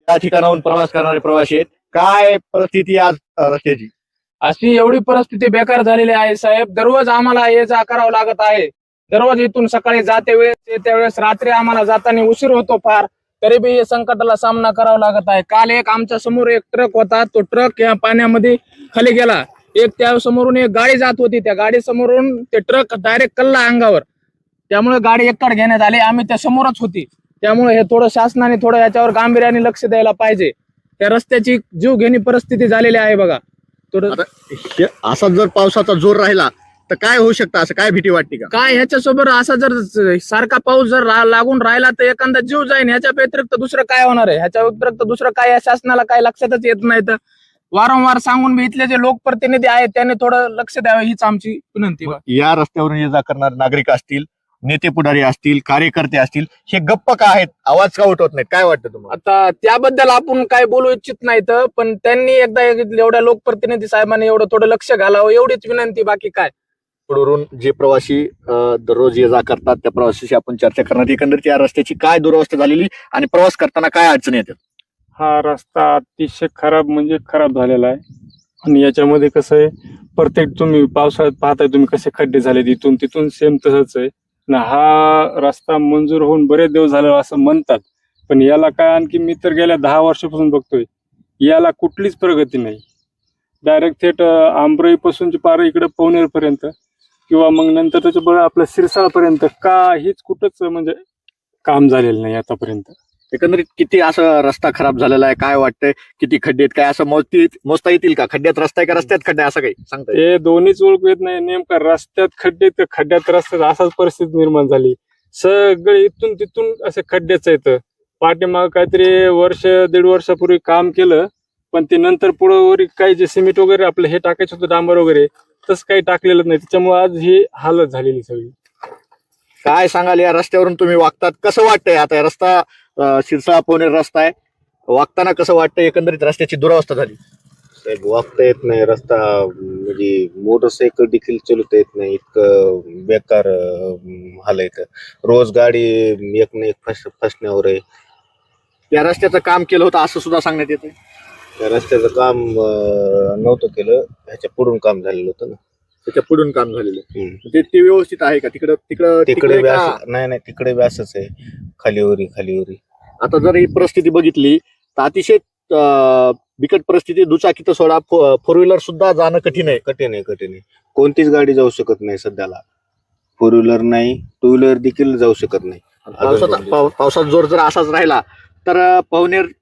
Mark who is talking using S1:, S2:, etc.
S1: त्या ठिकाणाहून प्रवास करणारे प्रवासी आहेत. काय परिस्थिती आज रस्त्याची?
S2: अशी एवढी परिस्थिती बेकार झालेली आहे साहेब. दररोज आम्हाला ये जा करावं लागत आहे. दररोज इथून सकाळी जाते वेळेस येत्या वेळेस रात्री आम्हाला जाताना उशीर होतो फार, तरी बी या संकटाला सामना करावा लागत आहे. काल एक आमच्या समोर एक ट्रक होता, तो ट्रक या पाण्यामध्ये खाली गेला. एक त्या समोरून एक गाडी जात होती, त्या गाडी समोरून ते ट्रक डायरेक्ट कल्ला अंगावर, त्यामुळे गाडी एकड घेण्यात आली. आम्ही त्या समोरच होती, त्यामुळे हे थोडं शासनाने थोडं याच्यावर गांभीर्याने लक्ष द्यायला पाहिजे. त्या रस्त्याची जीवघेणी परिस्थिती झालेली आहे बघा.
S1: आता असा जर पावसाचा जोर राहिला तर काय होऊ शकतं, असं काय भीती वाटते का?
S2: काय ह्याच्यासोबत असा जर सारखा पाऊस जर लागून राहिला तर एखादा जीव जाईल. ह्याच्या व्यतिरिक्त दुसरं काय होणार आहे? ह्याच्या व्यतिरिक्त दुसरं काय या शासनाला काय लक्षातच येत नाही. तर वारंवार सांगून मी इथले जे लोकप्रतिनिधी आहेत त्यांनी थोडं लक्ष द्यावं हीच आमची विनंती.
S1: या रस्त्यावरून ये जा करणारे नागरिक असतील, नेते पुढारी असतील, कार्यकर्ते असतील, हे गप्प का आहेत? आवाज का उठवत नाहीत? काय वाटतं तुम्हाला?
S2: आता त्याबद्दल आपण काय बोलू इच्छित नाहीत, पण त्यांनी एकदा एवढ्या लोकप्रतिनिधी साहेबांनी एवढं थोडं लक्ष घालावं एवढीच विनंती, बाकी काय.
S1: पुढून जे प्रवासी दररोज ये जा करतात त्या प्रवाशाशी आपण चर्चा करणार. एकंदरीत या रस्त्याची काय दुरवस्था झालेली आणि प्रवास करताना काय अडचणी येतात?
S3: हा रस्ता अतिशय खराब म्हणजे खराब झालेला आहे. आणि याच्यामध्ये कसं आहे, प्रत्येक तुम्ही पावसाळ्यात पाहताय तुम्ही कसे खड्डे झाले, इथून तिथून सेम तसंच आहे ना. हा रस्ता मंजूर होऊन बरेच दिवस झाले असं म्हणतात, पण याला काय, आणखी मी तर गेल्या 10 वर्षापासून बघतोय, याला कुठलीच प्रगती नाही. डायरेक्ट थेट आंबराई पासूनची पार इकडे पवनेर पर्यंत किंवा मग नंतर त्याच्या आपल्या सिरसाळपर्यंत काहीच कुठंच म्हणजे काम झालेलं नाही आतापर्यंत.
S1: एकंदरीत किती असं रस्ता खराब झालेला आहे? काय वाटतंय किती खड्डे आहेत? काय असं मोजता येतील का? खड्ड्यात रस्ता आहे का रस्त्यात खड्डा, असं काही सांगता येईल?
S3: हे दोन्हीच ओळखू येत नाही. नेमका रस्त्यात खड्डे तर खड्ड्यात रस्त्यात असाच परिस्थिती निर्माण झाली. सगळे इथून तिथून असे खड्डेच आहेत. पाठीमाग काहीतरी वर्ष 1.5 वर्षापूर्वी काम केलं, पण ते नंतर पुढे काही जे सिमेंट वगैरे आपलं हे टाकायचं होतं, डांबर वगैरे, तसं काही टाकलेलं नाही. त्याच्यामुळे आज ही हालत झालेली सगळी.
S1: काय सांगाल, या रस्त्यावरून तुम्ही वागतात, कसं वाटतंय? आता या रस्ता शिरसाळा पवनेर रस्ता आहे, वागताना कसं वाटतंय? एकंदरीत रस्त्याची दुरावस्था झाली.
S4: साहेब, वागता येत नाही रस्ता, म्हणजे मोटरसायकल देखील चालवता येत नाही, इतकं बेकार हाल आहे. रोज गाडी एक ना एक फसण्यावर आहे.
S1: या रस्त्याचं काम केलं होतं असं सुद्धा सांगण्यात येतं.
S4: त्या रस्त्याचं काम नव्हतं केलं, ह्याच्या पुढून काम झालेलं होतं ना.
S1: त्याच्या पुढून काम झालेलं ते व्यवस्थित आहे का? तिकडे
S4: तिकडे नाही, तिकडे बी असंच आहे, खालीवरी.
S1: आता जर ही परिस्थिती बघितली तर अतिशय बिकट परिस्थिती. दुचाकी तर सोडा, फोर व्हीलर सुद्धा जाणं कठीण आहे.
S4: कोणतीच गाडी जाऊ शकत नाही सध्याला. 4 व्हीलर नाही, 2 व्हीलर देखील जाऊ शकत नाही.
S1: पावसाचा जोर जर असाच राहिला तर पवनेर